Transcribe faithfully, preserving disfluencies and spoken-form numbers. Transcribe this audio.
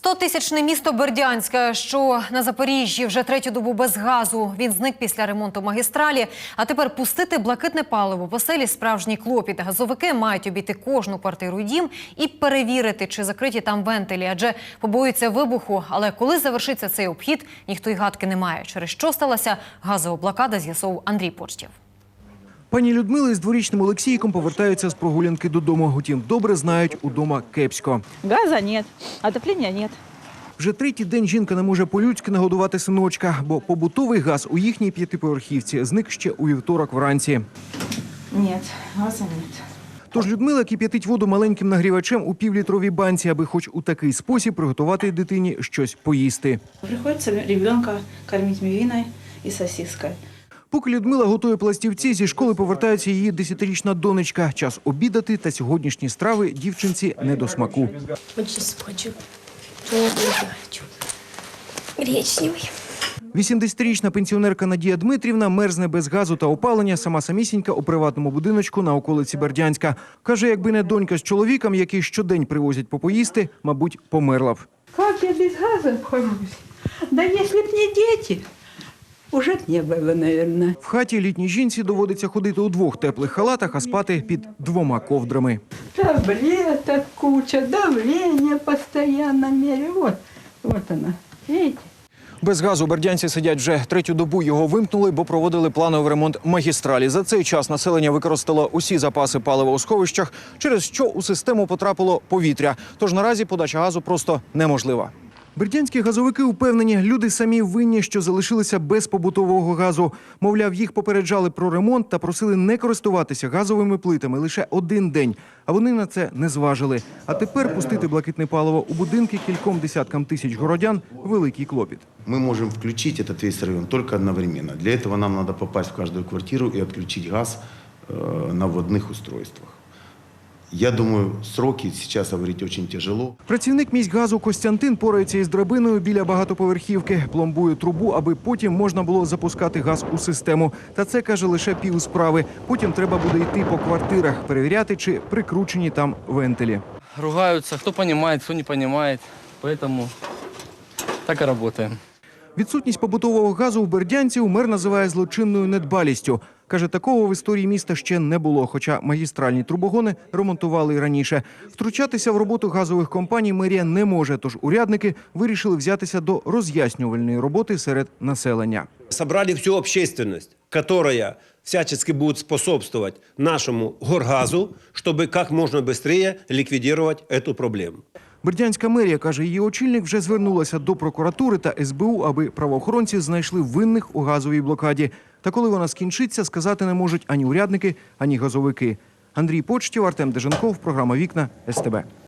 Стотисячне місто Бердянське, що на Запоріжжі, вже третю добу без газу. Він зник після ремонту магістралі. А тепер пустити блакитне паливо по селі – справжній клопіт. Газовики мають обійти кожну квартиру і дім і перевірити, чи закриті там вентилі. Адже побоюються вибуху. Але коли завершиться цей обхід, ніхто й гадки не має. Через що сталася газова блокада, з'ясовував Андрій Почтєв. Пані Людмила із дворічним Олексійком повертаються з прогулянки додому. Утім, добре знають, удома кепсько. Газа нет, отопления нет. Вже третій день жінка не може по-людськи нагодувати синочка, бо побутовий газ у їхній п'ятиповерхівці зник ще у вівторок вранці. Нет, газа нет. Тож Людмила кип'ятить воду маленьким нагрівачем у півлітровій банці, аби хоч у такий спосіб приготувати дитині щось поїсти. Приходится ребенка кормить мивиной и сосиской. Поки Людмила готує пластівці, зі школи повертається її десятирічна донечка. Час обідати, та сьогоднішні страви дівчинці не до смаку. Очень хочу. Я хочу. Гречневый. вісімдесятирічна пенсіонерка Надія Дмитрівна мерзне без газу та опалення, сама самісінька у приватному будиночку на околиці Бердянська. Каже, якби не донька з чоловіком, який щодень привозять попоїсти, мабуть, померла б. Как я без газа обхожусь? Да если б не дети, уже б не было, наверное. В хаті літній жінці доводиться ходити у двох теплих халатах, а спати під двома ковдрами. Таблеток куча, давление постоянно меряю. Вот, вот она, видите? Без газу бердянці сидять вже третю добу. Його вимкнули, бо проводили плановий ремонт магістралі. За цей час населення використало усі запаси палива у сховищах, через що у систему потрапило повітря. Тож наразі подача газу просто неможлива. Бердянські газовики упевнені, люди самі винні, що залишилися без побутового газу. Мовляв, їх попереджали про ремонт та просили не користуватися газовими плитами лише один день. А вони на це не зважили. А тепер пустити блакитне паливо у будинки кільком десяткам тисяч городян – великий клопіт. Мы можем включить этот весь район только одновременно. Для этого нам надо попасть в каждую квартиру и отключить газ э, на вводных устройствах. Я думаю, сроки сейчас говорить очень тяжело. Працівник міськгазу Костянтин порається із драбиною біля багатоповерхівки. Пломбує трубу, аби потім можна було запускати газ у систему. Та це, каже, лише пів справи. Потім треба буде йти по квартирах, перевіряти, чи прикручені там вентилі. Ругаются, кто понимает, кто не понимает. Поэтому так и работаем. Відсутність побутового газу у бердянців мер називає злочинною недбалістю. Каже, такого в історії міста ще не було, хоча магістральні трубогони ремонтували і раніше. Втручатися в роботу газових компаній мерія не може, тож урядники вирішили взятися до роз'яснювальної роботи серед населення. Собрали всю общественность, которая всячески будет способствовать нашему горгазу, чтобы как можно быстрее ликвидировать эту проблему. Бердянська мерія, каже, її очільник вже звернулася до прокуратури та ес бе у, аби правоохоронці знайшли винних у газовій блокаді. Та коли вона скінчиться, сказати не можуть ані урядники, ані газовики. Андрій Почтєв, Артем Деженков, програма «Вікна», ес те бе.